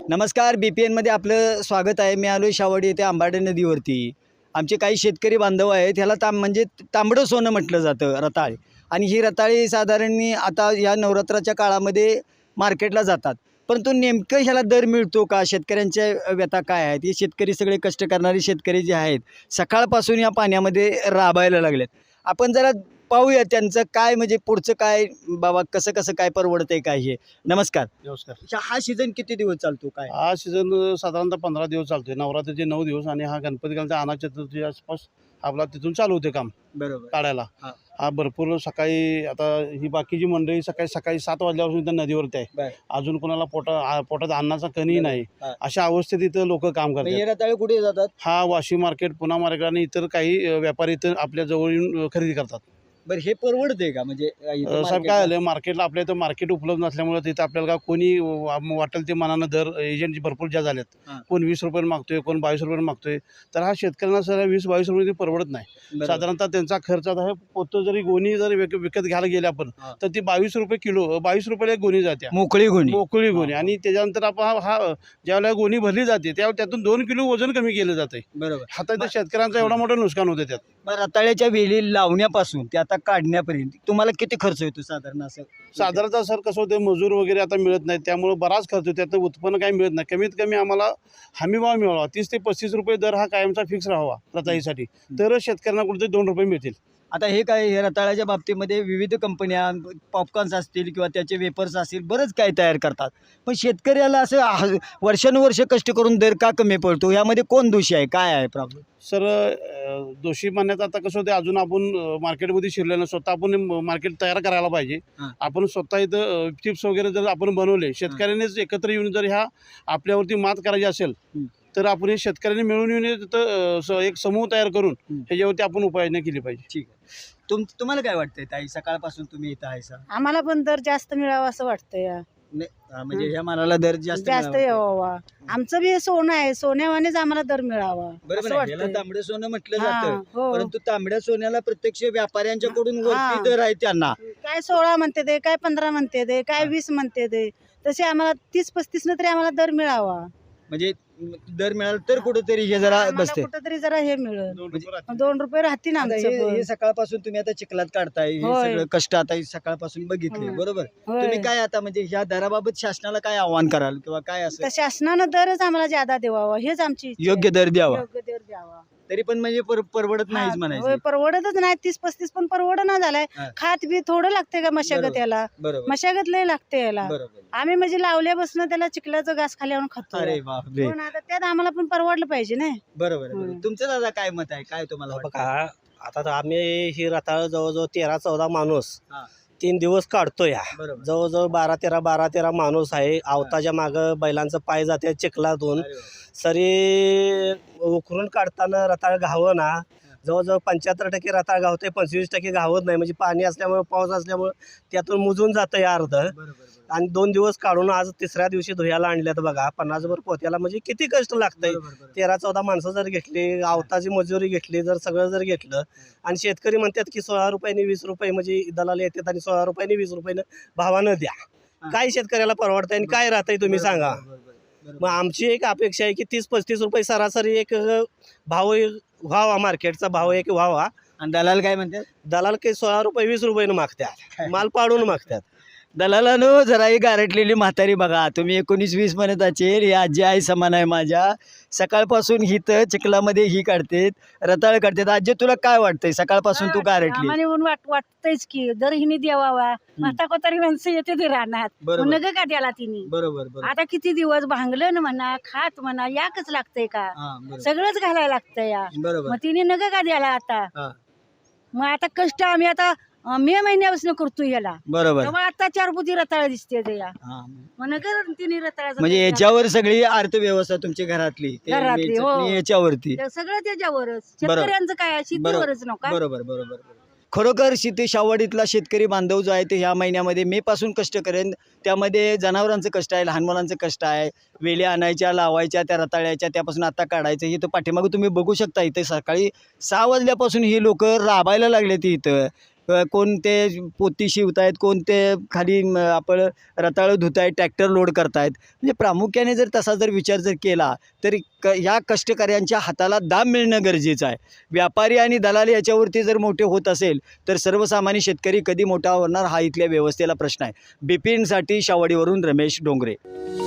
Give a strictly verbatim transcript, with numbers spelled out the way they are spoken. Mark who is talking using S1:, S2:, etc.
S1: नमस्कार, बी पी एनमध्ये आपलं स्वागत आहे. मी आलो आहे शावडी येथे आंबाडे नदीवरती. आमचे काही शेतकरी बांधव आहेत, ह्याला तांब म्हणजे तांबडं सोनं म्हटलं जातं, रताळ. आणि ही रताळी साधारण आता या नवरात्राच्या काळामध्ये मार्केटला जातात. परंतु नेमकं ह्याला दर मिळतो का? शेतकऱ्यांच्या व्यथा काय आहेत? हे शेतकरी सगळे कष्ट करणारे शेतकरी जे आहेत, सकाळपासून या पाण्यामध्ये राबायला लागलेत. आपण जरा पाहूया त्यांचं काय, म्हणजे पुढचं काय, बाबा कसं कसं काय परवडतंय काय हे. नमस्कार.
S2: नमस्कार.
S1: अच्छा, हा सीझन किती दिवस चालतो काय?
S2: हा सीझन साधारणतः पंधरा दिवस चालतोय. नवरात्रीचे नऊ दिवस आणि हा गणपती घालता अनाथ चतुर्थीच्या आसपास आपला तिथून चालू होते काम
S1: बरोबर.
S2: काढायला.
S1: हा.
S2: हा भरपूर सकाळी आता ही बाकीची मंडळी सकाळी सकाळी सात वाजल्यापासून इथं नदीवरती आहे.
S1: बर.
S2: अजून कोणाला पोटा आ- पोटात अन्नाचा कणी नाही.
S1: हा.
S2: अशा अवस्थेत इथं लोक काम
S1: मग हे
S2: करतात.
S1: रताळे कुठे जातात?
S2: हा वाशी मार्केट, पुणा मार्केट आणि इतर काही अ, व्यापारी इथं आपल्या जवळ येऊन अ, खरेदी करतात.
S1: बरं, हे परवडते का? म्हणजे इथं
S2: अ, साहेब
S1: market
S2: काय
S1: ला?
S2: झालं, मार्केटला आपल्या इथं मार्केट उपलब्ध नसल्यामुळे तिथं आपल्याला का कोणी वा- वाटेल ते मनानं दर एजंट भरपूर ज्या झाल्यात.
S1: हा.
S2: कोण वीस रुपयाने मागतोय, कोण बावीस रुपयाने मागतोय. तर हा शेतकऱ्यांना सर वीस बावीस रुपये ते परवडत नाही.
S1: बरोबर.
S2: साधारणतः त्यांचा खर्च आता हे पोतं जरी गोणी जरी विक- विकत घ्यायला गेले आपण
S1: हा.
S2: तर ती बावीस रुपये किलो बावीस रुपयाला एक गोणी जाते,
S1: मोकळी गुणी.
S2: मोकळी गोणी. आणि त्याच्यानंतर आपण हा हा ज्यावेळेला गोणी भरली जाते त्यावेळेला त्यातून दोन किलो वजन कमी केलं जाते.
S1: बरोबर.
S2: आता त्या शेतकऱ्यांचं एवढा मोठं नुकसान होतं त्यात.
S1: मग रताळ्याच्या वेली लावण्यापासून ते आता काढण्यापर्यंत तुम्हाला किती खर्च येतो साधारण असं?
S2: साधारणतः सर कसं होतं, मजूर वगैरे आता मिळत नाहीत, त्यामुळे बराच खर्च होतो. त्यातनं उत्पन्न काही मिळत नाही. कमीत कमी आम्हाला हमीभाव मिळावा, तीस ते पस्तीस रुपये दर हा कायमचा फिक्स राहावा रताळीसाठी, तरच शेतकऱ्यांना कुठेतरी दोन रुपये मिळतील.
S1: आता हे काय, हे रताळ्याच्या बाबतीमध्ये विविध कंपन्या पॉपकॉर्न्स असतील किंवा त्याचे वेपर्स असतील, बरंच काय तयार करतात. पण शेतकऱ्याला असं हा- वर्षानुवर्ष कष्ट करून दर का कमी पडतो? यामध्ये कोण दोषी आहे, काय आहे प्रॉब्लेम?
S2: सर अ, दोषी मानण्यात आता कसं होतं, अजून आपण अ, मार्केटमध्ये शिरलेलं स्वतः आपण म- मार्केट तयार करायला पाहिजे.
S1: हां.
S2: आपण स्वतः इथं चिप्स वगैरे जर आपण बनवले, शेतकऱ्यांनीच एकत्र येऊन जर ह्या आपल्यावरती मात करायची असेल
S1: हं.
S2: तर आपण हे शेतकऱ्यांनी मिळून येऊन हे तिथं अ, स- एक समूह तयार करून
S1: हं.
S2: ह्याच्यावरती आपण उपाययोजना केली पाहिजे.
S1: ठीक आहे. तुम तुम्हाला काय वाटतंय ताई, सकाळपासून तुम्ही इथं आहे सा?
S3: आम्हाला पण दर जास्त मिळावा असं वाटतंय.
S1: नाही, हा, म्हणजे ह्या मालाला दर जास्त
S3: जास्त
S1: मिळावा.
S3: यावा. आमचं बी हे सोनं आहे, सोन्यावानेच आम्हाला दर मिळावा
S1: बरोबर
S3: असं
S1: आहे. याला
S3: वाटतंय.
S1: तांबडं सोनं म्हटलं
S3: हा,
S1: जातं.
S3: हो.
S1: परंतु तांबड्या सोन्याला प्रत्यक्ष व्यापाऱ्यांच्याकडून
S3: हा.
S1: वरती दर आहे त्यांना.
S3: काय सोळा म्हणते ते, काय पंधरा म्हणते ते, काय
S1: हा.
S3: वीस म्हणते ते, तसे आम्हाला तीस पस्तीस न तरी आम्हाला दर मिळावा.
S1: म्हणजे दर मिळाला तर कुठेतरी हे जरा
S3: आम्हाला
S1: बसते.
S3: कुठंतरी जरा हे मिळेल,
S2: दोन रुपये राहतील.
S3: दोन रुपये राहतील
S1: आता
S3: आमचं
S1: हे
S3: पण.
S1: हे सकाळपासून तुम्ही आता चिखलात काढताय, हे
S3: होय.
S1: सगळं कष्ट आता हे सकाळपासून बघितले,
S3: हं.
S1: बरोबर.
S3: होय.
S1: तुम्ही काय आता म्हणजे ह्या दराबाबत शासनाला काय आव्हान कराल किंवा काय असं
S3: तर शासनानं दरच आम्हाला ज्यादा द्यावा, हेच आमची इच्छा आहे.
S1: योग्य दर द्यावा?
S3: योग्य दर द्यावा.
S1: तरी पण म्हणजे पर- परवडत नाहीच
S3: हा, होय,
S1: म्हणायचं.
S3: परवडतच नाही. तीस पस्तीस पण परवडना झालाय.
S1: हा.
S3: खात बी थोडं लागते का मशागत
S1: बरोबर.
S3: याला,
S1: बरोबर
S3: मशागत लय लागते याला.
S1: बरोबर.
S3: आम्ही म्हणजे लावल्यापासून त्याला चिखलाचं घास खाली आणून खातो.
S1: अरे बापरे.
S3: पण आता त्यात आम्हाला पण परवडलं पाहिजे ना.
S1: बरोबर बरोबर.
S3: हं.
S1: तुमचं दादा काय मत आहे, काय तुम्हाला वाटतं?
S4: बघा, आता तर आम्ही ही रताळ जवळजवळ तेरा चौदा माणूस
S1: हा.
S4: तीन दिवस काढतोय.
S1: बरोबर.
S4: जवळजवळ बारा तेरा बारा तेरा माणूस आहे. आवताच्या मागं बैलांचं पाय जाते चिखलातून.
S1: अरे बापरे.
S4: सरी उकरून काढताना रताळ घावं ना, जवळजवळ पंच्याहत्तर टक्के रताळ गावते, पंचवीस टक्के गावत नाही. म्हणजे पाणी असल्यामुळे, पाऊस असल्यामुळे त्यातून मुजून जातं या अर्ध.
S1: बरोबर, बरोबर.
S4: आणि दोन दिवस काढून आज तिसऱ्या दिवशी धुयाला आणल्यात बघा. पन्नासभर पोत्याला म्हणजे किती कष्ट लागतंय.
S1: बरोबर, बरोबर.
S4: तेरा चौदा माणसं जर घेतली, आवताची मजुरी घेतली, जर सगळं जर घेतलं, आणि शेतकरी म्हणतात की सोळा रुपयाने वीस रुपये म्हणजे दलाल येतात आणि सोळा रुपयाने वीस रुपयानं भावानं द्या.
S1: हा.
S4: काय शेतकऱ्याला परवडतंय आणि काय राहतंय तुम्ही
S1: बरोबर,
S4: सांगा.
S1: बरोबर, बरोबर.
S4: मग आमची एक अपेक्षा आहे की तीस पस्तीस रुपये सरासरी एक अ, भाव व्हावा, मार्केटचा भाव एक व्हावा.
S1: आणि दलाल काय म्हणतात?
S4: दलाल काही सोळा रुपये वीस रुपयानं मागतात, माल पाडून मागतात.
S1: दलालानो, जरा ही गारटलेली म्हातारी बघा. तुम्ही एकोणीस वीस म्हणत असेल, ही आजी आई समान आहे माझ्या. सकाळपासून हिथं चिखलामध्ये ही काढतेत, रताळ काढतात. आजी, तुला काय वाटतंय सकाळपासून तू गारटली?
S5: आम्हाला येऊन वाट वाटतंयच की दर हिने द्यावा. म्हाता कोतारी माणसं येते ते राहणार,
S1: बरोबर.
S5: नग का द्याला तिने.
S1: बरोबर बरोबर.
S5: आता किती दिवस भांगलं म्हणा, खात म्हणा, याकच लागतंय का,
S1: हा, बरोबर.
S5: सगळंच घालायला लागतंय या.
S1: बरोबर.
S5: मग तिने नग का द्याला आता.
S1: हा.
S5: मग आता कष्ट आम्ही आता अं, मे महिन्यापासून करतोय याला.
S1: बरोबर.
S5: तेव्हा आता चार बुद्धी रताळ दिसते ते या.
S1: हा.
S5: मग नगर तिने रताळाचं
S1: म्हणजे
S5: काही
S1: याच्यावर सगळी अर्थव्यवस्था तुमची घरातली, ते
S5: घरातली,
S1: चटणी
S5: हो.
S1: याच्यावरती.
S5: ते सगळं त्याच्यावरच. शेतकऱ्यांचं काय आहे, शेतीवरच नका.
S1: बरोबर बरोबर बरोबर. खरोखर शेती शावडीतला शेतकरी बांधव जो आहे ते ह्या महिन्यामध्ये मे पासून कष्ट करेन. त्यामध्ये जनावरांचं कष्ट आहे, लहान मुलांचं कष्ट आहे, वेली आणायच्या, लावायच्या, त्या रताळ्याच्या, त्यापासून आता काढायचं. हे तर पाठीमागं तुम्ही बघू शकता. इथे सकाळी सहा वाजल्यापासून ही लोक राबायला लागले ती इथं. अ, कोण ते पोती शिवतायत, कोण ते खाली म, आपण रताळं धुतायत, ट्रॅक्टर लोड करतायत. म्हणजे प्रामुख्याने जर तसा जर विचार जर केला तर क ह्या कष्टकऱ्यांच्या हाताला दाम मिळणं गरजेचं आहे. व्यापारी आणि दलाल याच्यावरती जर मोठे होत असेल तर सर्वसामान्य शेतकरी कधी मोठा होणार हा इथल्या व्यवस्थेला प्रश्न आहे. बिपिनसाठी शावडीवरून रमेश डोंगरे.